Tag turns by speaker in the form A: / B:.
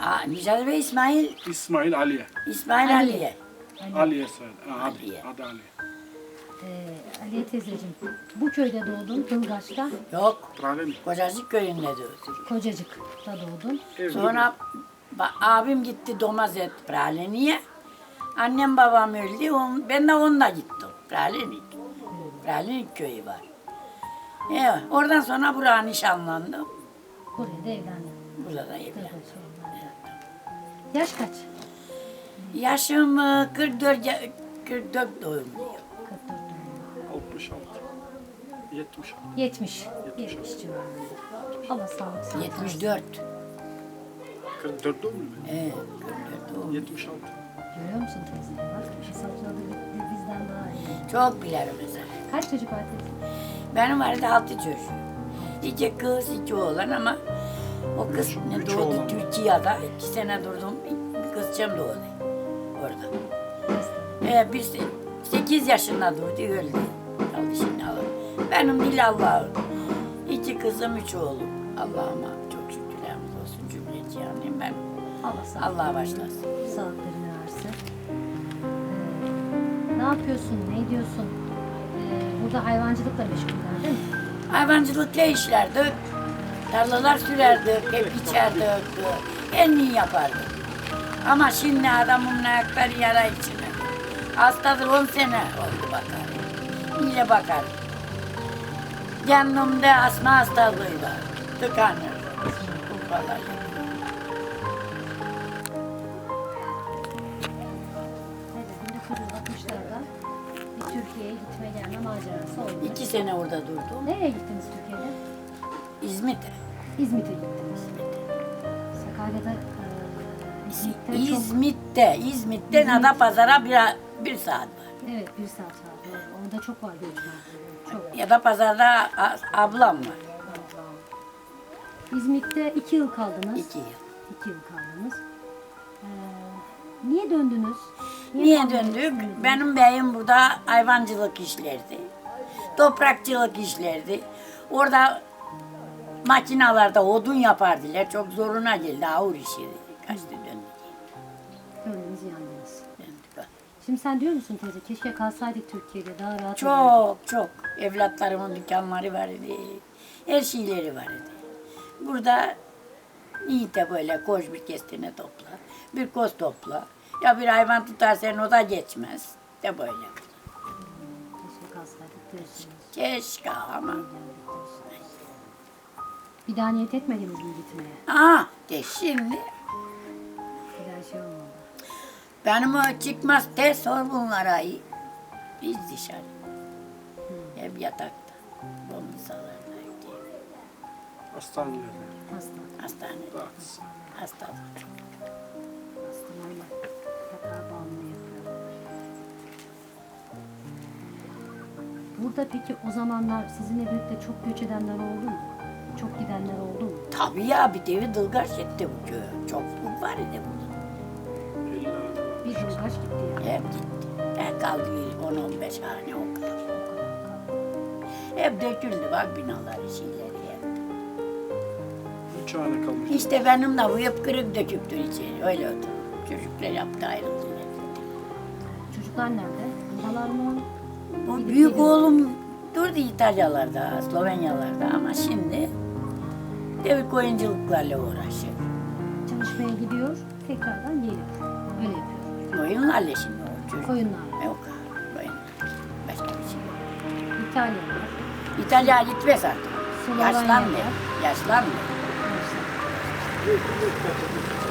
A: Nicat Bey İsmail.
B: İsmail Aliye.
A: İsmail Aliye.
B: Aliye söyle.
A: Aliye.
B: Adı Aliye.
C: Aliye teyzeciğim, bu köyde doğdun, Dılgaç'ta,
A: Yok.
B: Prale mi?
A: Kocacık köyünde doğdu.
C: Kocacık'ta doğdun.
A: Sonra abim gitti Domazet Praleni'ye. Annem babam öldü. Ben de onunla gittim. Praleni köyü var. Evet, oradan sonra buraya nişanlandım.
C: Buraya da evlendin.
A: Burada evlendim.
C: Yaş kaç?
A: Yaşım 44 doğumluyum.
C: 44.
B: 66. 76.
C: 70. 70 civarında. Allah sağlık versin.
A: 74.
B: 44 doğumlu mu?
A: Evet, 44 doğumluyum.
B: 76.
C: Görüyor musun teyze? Bak hesapladı bizden daha iyi.
A: Çok bilirim mesela.
C: Kaç çocuk var teyze?
A: Benim vardı 6 çocuğum. 2 kız, 2 oğlan ama o kız
B: Üç
A: doğdu
B: oğlan.
A: Türkiye'de. 2 sene durdum, bir kızcağım doğdu orada. Bir 8 yaşında durdu, öldü. Kaldı şimdi Allah. Benim değil Allah'ım. 2 kızım, 3 oğlum. Allah'ıma çok şükürlerimiz olsun cümleci yani ben.
C: Allah sağlık.
A: Allah'a başlasın.
C: Sağlıklarını versin. Ne yapıyorsun? Ne diyorsun? Burada hayvancılıkla meşguller değil mi?
A: Hayvancılıkla işlerdik. Tarlalar sürerdik, hep içerdik. En iyi yapardık. Ama şimdi adamın ayakları yara içine. Hastadır 10 sene oldu bakar. İyice bakar. Yanımda asma hastalığı var. Tıkanır. Kupalar.
C: Evet, 1960'larda bir Türkiye'ye gitme gelme macerası oldu.
A: 2 sene orada durdum.
C: Nereye gittiniz Türkiye'de?
A: İzmit'e.
C: İzmit'e gittiniz. Sakarya'da İzmit'te çok...
A: İzmit'ten Adapazarı'na bir saat var.
C: Evet, bir saat var. Doğru. Orada çok var göçmen. Çok.
A: Ya da pazarda ablam var.
C: İzmit'te 2 yıl kaldınız.
A: 2 yıl.
C: 2 yıl kaldınız. Niye döndünüz?
A: Niye
C: kalmak
A: döndük?
C: istediniz?
A: Benim beyim burada hayvancılık işlerdi. Toprakçılık işlerdi. Orada makinalarda odun yapardılar. Çok zoruna geldi. Ağır işiydi. Kaçtı döndük.
C: Öğreniz yandınız.
A: Döndük.
C: Şimdi sen diyor musun teyze? Keşke kalsaydık Türkiye'de daha rahat olurdu.
A: Çok. Evlatlarımın dükkanları vardı. Her şeyleri vardı. Burada iyi de böyle koş bir kestine topla. Bir koz topla. Ya bir hayvan tutarsan o da geçmez. De böyle.
C: Keşke kalsaydık diyorsunuz.
A: Keşke ama.
C: Bir daha niyet etmediniz mi gitmeye?
A: De şimdi
C: Bir daha şey olmadı.
A: benim o çıkmaz de sor bunlara. Biz dışarı. Hep yatakta. Bomuzalarda.
B: Hastanelerde.
A: Hastanede.
B: Dağıtısı.
A: Hastalık.
C: Hastalarla yatağa bağımlı yapıyor. Burada peki o zamanlar sizinle birlikte çok göç edenler oldu mu? Çok gidenler oldu mu?
A: Tabii ya bir devi Dılgaç gitti bu köye. Çok var idi burada.
C: Bir yıl kaç gitti yani.
A: Hep gitti. Ben kaldı 10-15 hane o kadar. Hep döküldü bak binaları şeyleri hep.
B: 3 hane kalmış.
A: İşte benim de bu hep kırık döküktür içeri. Öyle oldu. Çocuklar yaptı ayrıldı.
C: Çocuklar nerede? Buradalar mı?
A: Bu
C: Gidip
A: büyük
C: geliyor.
A: oğlum durdu İtalyalarda, Slovenyalarda ama şimdi devik oyunculuklarla uğraşıyor.
C: Çalışmaya gidiyor, tekrardan geliyor. Öyle yapıyor.
A: Oyunlarla şimdi o çocuk.
C: Oyunlar.
A: Yok oyun. Başka bir şey yok.
C: İtalyalılar.
A: İtalya gitmez artık.
C: Slovenya
A: Yaşlandı.
C: var.
A: Yaşlandı.